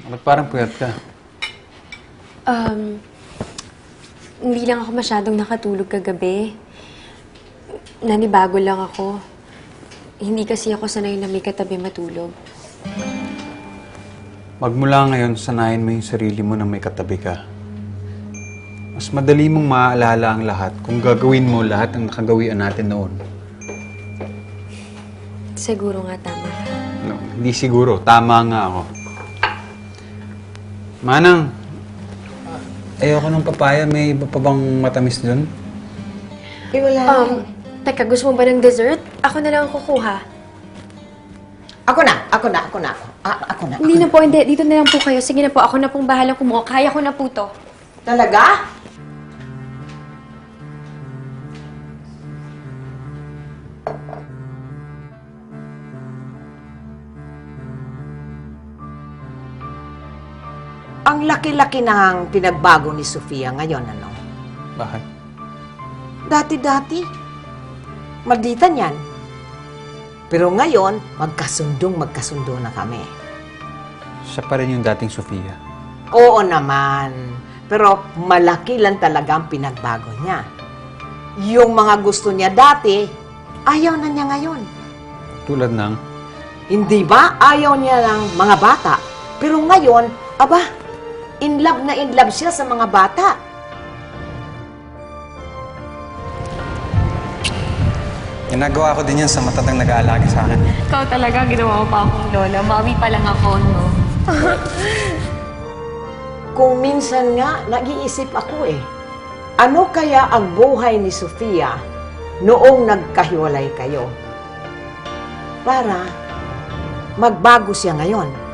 Ba't parang puyat ka? Hindi lang ako masyadong nakatulog kagabi. Nanibago lang ako. Hindi kasi ako sanay na may katabi matulog. Magmula ngayon, sanayin mo yung sarili mo na may katabi ka. Mas madali mong maaalala ang lahat kung gagawin mo lahat ng nakagawian natin noon. Siguro nga tama ka. No, hindi siguro. Tama nga ako. Manang, ayoko ng papaya. May iba pa bang matamis dun? Eh, wala. Teka, gusto mo ba ng dessert? Ako na lang ang kukuha. Ako na. Ako na. Hindi na po, hindi. Dito na lang po kayo. Sige na po, ako na pong bahalang kumuha. Kaya ko na po to. Talaga? Ang laki-laki ng pinagbago ni Sofia ngayon, ano? Bakit? Dati-dati, malditan yan. Pero ngayon, magkasundo na kami. Siya pa rin yung dating Sofia. Oo naman. Pero malaki lang talaga ang pinagbago niya. Yung mga gusto niya dati, ayaw na niya ngayon. Tulad ng... Hindi ba? Ayaw niya ng mga bata. Pero ngayon, aba, in love siya sa mga bata. Ginagawa ko din yan sa matatang nag-aalagi sa akin. Ikaw talaga, ginawa mo pa akong lola. Mami pa lang ako, no? Kung minsan nga, nag-iisip ako eh. Ano kaya ang buhay ni Sofia noong nagkahiwalay kayo? Para magbago siya ngayon.